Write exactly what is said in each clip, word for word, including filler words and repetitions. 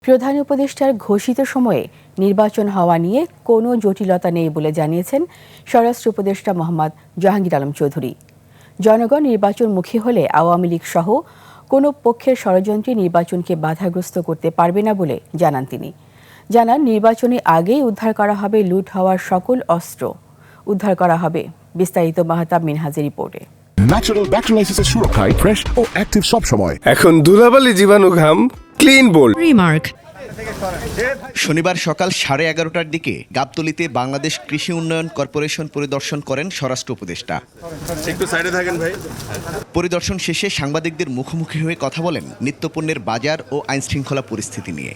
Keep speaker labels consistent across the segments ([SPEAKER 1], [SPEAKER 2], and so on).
[SPEAKER 1] প্রধান উপদেষ্টার ঘোষিত সময়ে নির্বাচন হওয়া নিয়ে কোনো জটিলতা নেই বলে জানিয়েছেন স্বরাষ্ট্র উপদেষ্টা মোহাম্মদ জাহাঙ্গীর আলম চৌধুরী। জনগণ নির্বাচনমুখী হলে আওয়ামী লীগ সহ কোনো পক্ষের ষড়যন্ত্রে নির্বাচনকে বাধাগ্রস্ত করতে পারবে না বলে জানান তিনি। জানান, নির্বাচনে আগেই উদ্ধার করা হবে লুট হওয়ার সকল অস্ত্র, উদ্ধার করা হবে। বিস্তারিত মাহতাব মিনহাজের রিপোর্টে।
[SPEAKER 2] ন্যাচারাল ব্যাকটেরিয়ালাইসিসের সুরক্ষায় ফ্রেশ ও অ্যাক্টিভ সব সময়।
[SPEAKER 3] এখন ধুলাবালি জীবাণু ঘাম ক্লিন বোল্ড
[SPEAKER 4] রিমার্ক।
[SPEAKER 5] শনিবার সকাল সাড়ে এগারোটার দিকে গাবতলীতে বাংলাদেশ কৃষি উন্নয়ন কর্পোরেশন পরিদর্শন করেন স্বরাষ্ট্র উপদেষ্টা।
[SPEAKER 3] একটু সাইডে থাকেন ভাই।
[SPEAKER 5] পরিদর্শন শেষে সাংবাদিকদের মুখোমুখি হয়ে কথা বলেন নিত্যপণ্যের বাজার ও আইনশৃঙ্খলা পরিস্থিতি নিয়ে।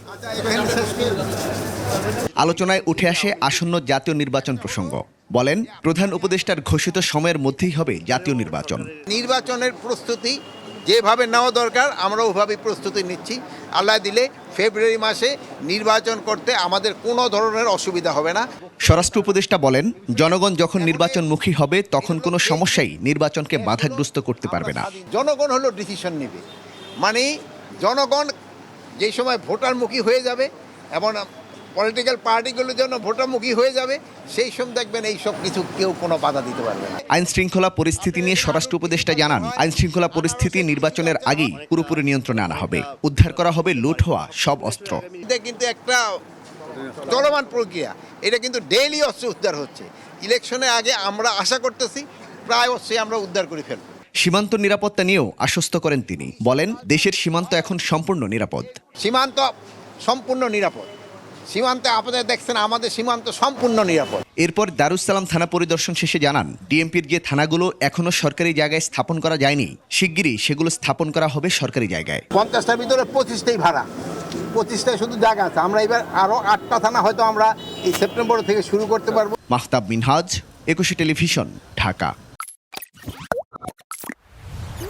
[SPEAKER 5] আলোচনায় উঠে আসে আসন্ন জাতীয় নির্বাচন প্রসঙ্গ। বলেন, প্রধান উপদেষ্টার ঘোষিত সময়ের মধ্যেই হবে জাতীয় নির্বাচন।
[SPEAKER 6] নির্বাচনের প্রস্তুতি যেভাবে নেওয়া দরকার আমরা ওইভাবেই প্রস্তুতি নিচ্ছি। আল্লাহ দিলে ফেব্রুয়ারি মাসে নির্বাচন করতে আমাদের কোনো ধরনের অসুবিধা হবে না।
[SPEAKER 5] স্বরাষ্ট্র উপদেষ্টা বলেন, জনগণ যখন নির্বাচনমুখী হবে তখন কোনো সমস্যাই নির্বাচনকে বাধাগ্রস্ত করতে পারবে না।
[SPEAKER 6] জনগণ হলো ডিসিশন নেবে, মানে জনগণ যেই সময় ভোটারমুখী হয়ে যাবে এবং পলিটিক্যাল পার্টিগুলো যেন ভোটারমুখী হয়ে যাবে, সেই সময় দেখবেন এই সব কিছু কেউ কোনো বাধা দিতে পারবে না।
[SPEAKER 5] আইন শৃঙ্খলা পরিস্থিতি নিয়ে স্বরাষ্ট্র উপদেষ্টা জানান, আইন শৃঙ্খলা পরিস্থিতি নির্বাচনের আগেই পুরোপুরি নিয়ন্ত্রণে আনা হবে। উদ্ধার করা হবে লুট হওয়া সব অস্ত্র।
[SPEAKER 6] এটা কিন্তু একটা চলমান প্রক্রিয়া, এটা কিন্তু ডেইলি অস্ত্র উদ্ধার হচ্ছে। ইলেকশনের আগে আমরা আশা করতেছি প্রায় অস্ত্রই আমরা উদ্ধার করে ফেলব।
[SPEAKER 5] সীমান্ত নিরাপত্তা নিয়েও আশ্বস্ত করেন তিনি। বলেন, দেশের সীমান্ত এখন সম্পূর্ণ নিরাপদ।
[SPEAKER 6] সীমান্ত সম্পূর্ণ নিরাপদ। সীমান্তে আপনাদের দেখছেন আমাদের সীমান্ত সম্পূর্ণ নিরাপদ।
[SPEAKER 5] এরপর দারুসালাম থানা পরিদর্শন শেষে জানান, ডিএমপির যে থানাগুলো এখনো সরকারি জায়গায় স্থাপন করা যায়নি, শিগগিরই সেগুলো স্থাপন করা হবে সরকারি জায়গায়।
[SPEAKER 6] পঞ্চাশটার ভিতরে পঁচিশটাই ভাড়া, পঁচিশটায় শুধু জায়গা আছে। আমরা এবার আরও আটটা থানা হয়তো আমরা এই সেপ্টেম্বর থেকে শুরু করতে পারবো।
[SPEAKER 5] মাহতাব মিনহাজ, একুশে টেলিভিশন, ঢাকা।